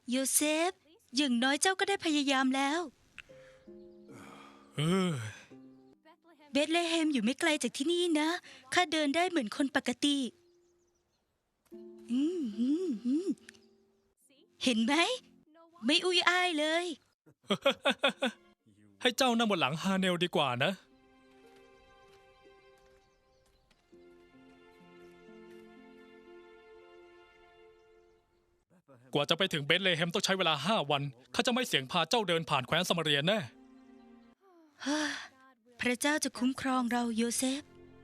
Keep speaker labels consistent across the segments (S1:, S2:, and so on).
S1: โยเซฟอย่างน้อยเจ้าก็ได้พยายามแล้ว
S2: เออ
S1: เบธเลเฮมอยู่ไม่ไกลจากที่นี่นะข้าเดินได้เหมือนคนปกติอืมเห็นไหมไม่อุ้ยอ้ายเลย
S2: ให้เจ้านั่งบนหลังฮาเนลดีกว่านะ กว่าจะไปถึงเบธเลเฮมต้องใช้เวลา5 วันข้าจะไม่เสี่ยงพาเจ้าเดินผ่านแคว้นสมาเรียแน่
S1: พระเจ้าจะคุ้มครองเราโยเซฟ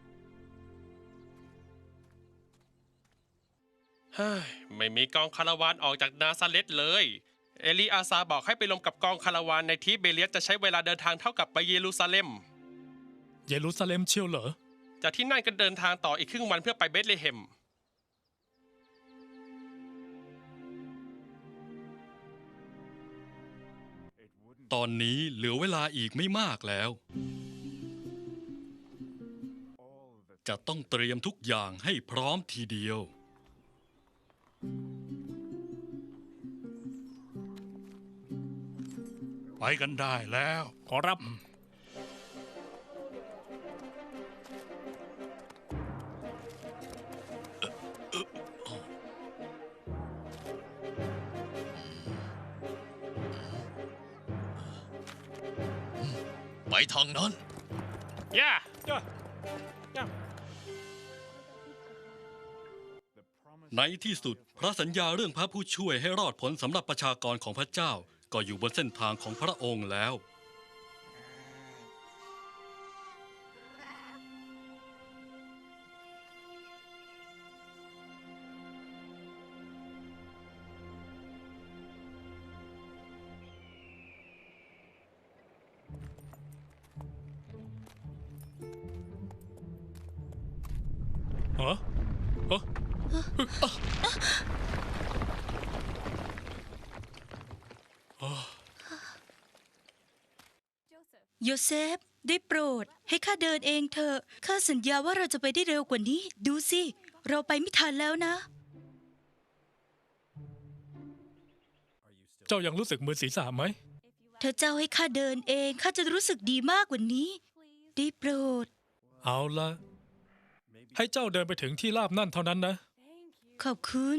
S3: เฮ้ยไม่มีกองคาราวานออกจากนาซาเรตเลย เอลีอาซาบอกให้ไปลงกับกองคาราวานในทิเบเลียสจะใช้เวลาเดินทางเท่ากับไปเยรูซาเล็ม
S2: เยรูซาเล็มเชียวเหรอ
S3: จากที่นั่นก็เดินทางต่ออีกครึ่งวันเพื่อไปเบธเลเฮม
S4: ตอนนี้เหลือเวลาอีกไม่มากแล้ว จะต้องเตรียมทุกอย่างให้พร้อมทีเดียว
S5: ไปกันได้แล้ว
S2: ขอรับ
S6: ไปทางนั้น
S3: ย่า
S4: ในที่สุดพระสัญญาเรื่องพระผู้ช่วยให้รอดผลสำหรับประชากรของพระเจ้าก็อยู่บนเส้นทางของพระองค์แล้ว
S2: ฮะฮะ
S1: โยเซฟได้โปรดให้ข้าเดินเองเถอะข้าสัญญาว่าเราจะไปได้เร็วกว่านี้ ดูสิเราไปไม่ทันแล้วนะ
S2: เจ้ายังรู้สึกมึนศีรษะไหม
S1: ถ้าเจ้าให้ข้าเดินเองข้าจะรู้สึกดีมากกว่านี้ ได้โปรด
S2: เอาละให้เจ้าเดินไปถึงที่ราบนั่นเท่านั้นนะ
S1: ขอบคุณ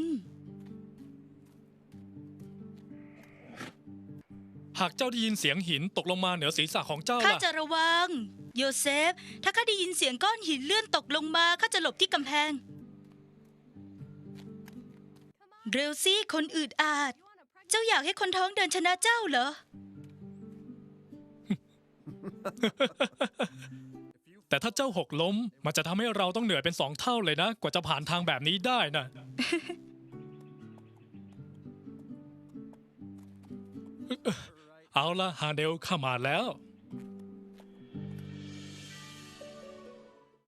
S2: หากเจ้าได้ยินเสียงหินตกลงมาเหนือศีรษะของเจ้า
S1: ข้า
S2: ล่ะ
S1: จะระวัง โยเซฟ ถ้าข้าได้ยินเสียงก้อนหินเลื่อนตกลงมาข้าจะหลบที่กำแพง เร็วสิคนอืดอาด เจ้าอยากให้คนท้องเดินชนะเจ้าเหรอ
S2: แต่ถ้าเจ้าหกล้มมันจะทำให้เราต้องเหนื่อยเป็น2 เท่าเลยนะ กว่าจะผ่านทางแบบนี้ได้นะ เอาละฮาเดลข้ามาแล้ว